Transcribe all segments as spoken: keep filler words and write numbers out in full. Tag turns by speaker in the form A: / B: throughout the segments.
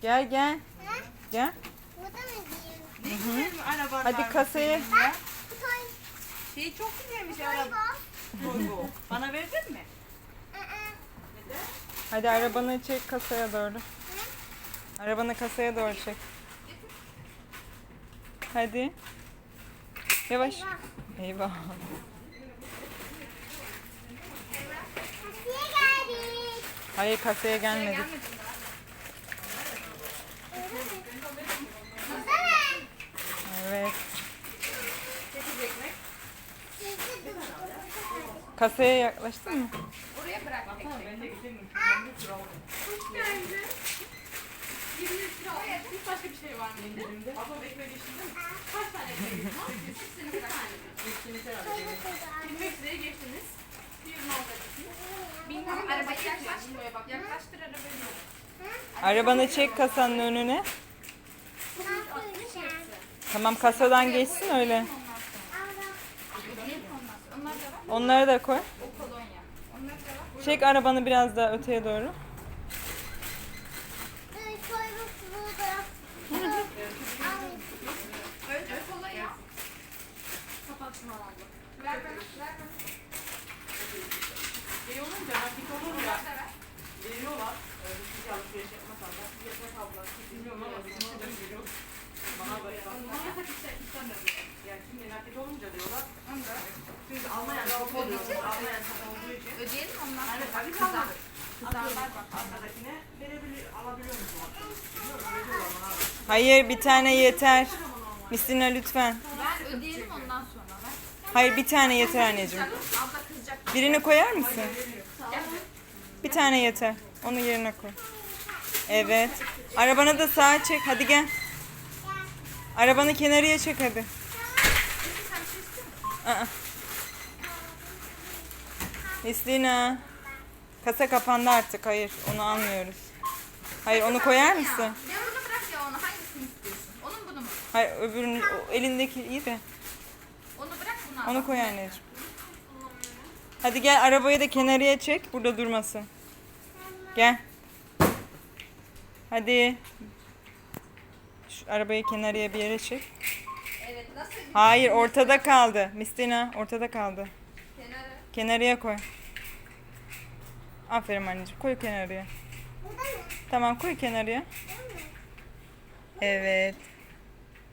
A: Gel gel.
B: Ha?
A: Gel.
B: Burada mı diyeyim?
C: Ne güzel bir araban
A: Hadi
C: var
A: kasayı.
C: senin ya.
B: Bu toy.
C: Şey çok güzelmiş
B: Toy
C: araba.
B: bu.
C: Volvo. Bana verdin mi?
B: Aa,
C: Neden?
A: Hadi arabanı çek kasaya doğru. Arabanı kasaya doğru çek. Hadi. Yavaş.
B: eyvah.
A: Eyvah.
B: Kasaya geldik.
A: Hayır kasaya gelmedik.
B: Burada mı?
A: Evet.
C: Çekecek mi?
B: Sizde dur.
A: Kasaya yaklaştın mı?
D: Oraya bırak.
C: Ben de gideyim.
D: Hoş geldin. yirmi lira al. Hiç başka bir şey var mı indirimde?
C: Ablam ekmeği geçti değil mi?
D: Kaç tane ekmek var? Hepsini bir tane.
C: Geçtiğini sen al.
B: Toy bu kadar.
D: yirmi beş liraya geçtiniz. Bir ürün alacaksınız. Bilmiyorum arabayı yaklaştır. Yaklaştır arabayı.
A: Arabanı çek kasanın önüne.
B: Ne yapıyorsun?
A: Tamam kasadan geçsin öyle.
B: Aldım.
D: Onlar da var.
A: Onları da koy.
D: O kolonya. Onlar da var.
A: Çek arabanı biraz daha öteye doğru.
B: Dur, toy bu burada. Dur. Al.
D: Önce kolonya. Kapatma aldım. Ver bana. Ver bana.
C: Şey olunca nakit olunca
D: Onlar da ver.
C: veriyorlar. Ee, Hiç alışveriş yapmasan da. Yeter abla. Bilmiyorum ama bizim orada veriyor. Bana böyle bakma.
D: Onlar da işte istemiyorum.
C: Yani şimdi nakit olunca diyorlar.
D: Onu da ver.
C: Çünkü Almanya çok oluyor. Almanya çok olduğu için.
D: Ödeyelim ondan
C: Yani
D: sonra.
C: tabii
D: Kızar.
C: kalmadı. Kızarlar bak arkadakine verebilir, alabiliyor musun? Bilmiyorum öyle diyorlar bana abi.
A: Hayır bir tane yeter. Misina lütfen.
D: Ver ödeyelim ondan sonra. Ver.
A: Hayır bir tane yeter anneciğim.
D: Abla kızacak.
A: Birini koyar mısın?
D: Gel.
A: Bir tane yeter. Onu yerine koy. Evet. Arabanı da sağa çek. Hadi gel. Arabanı kenarıya çek hadi. Aa. Mislina. Kasa kapandı artık. Hayır onu almıyoruz. Hayır onu koyar mısın?
D: Ya bunu bırak ya onu. Hangisini istiyorsun? Onun bunu mu?
A: Hayır öbürünü o elindeki iyi de.
D: Onu bırak bunu al.
A: Onu koy anneciğim. Hadi gel arabayı da kenarıya çek. Burada durmasın. Gel. Hadi. Şu arabayı kenarıya bir yere çek.
D: Evet nasıl?
A: Hayır ortada kaldı. Mistina ortada kaldı.
D: Kenara.
A: Kenarıya koy. Aferin anneciğim. Koy kenarıya.
B: Burada mı?
A: Tamam koy kenarıya. Evet.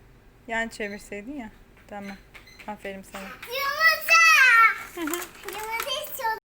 A: Yan çevirseydin ya. Tamam. Aferin sana.
B: Yumurta. Yumurta.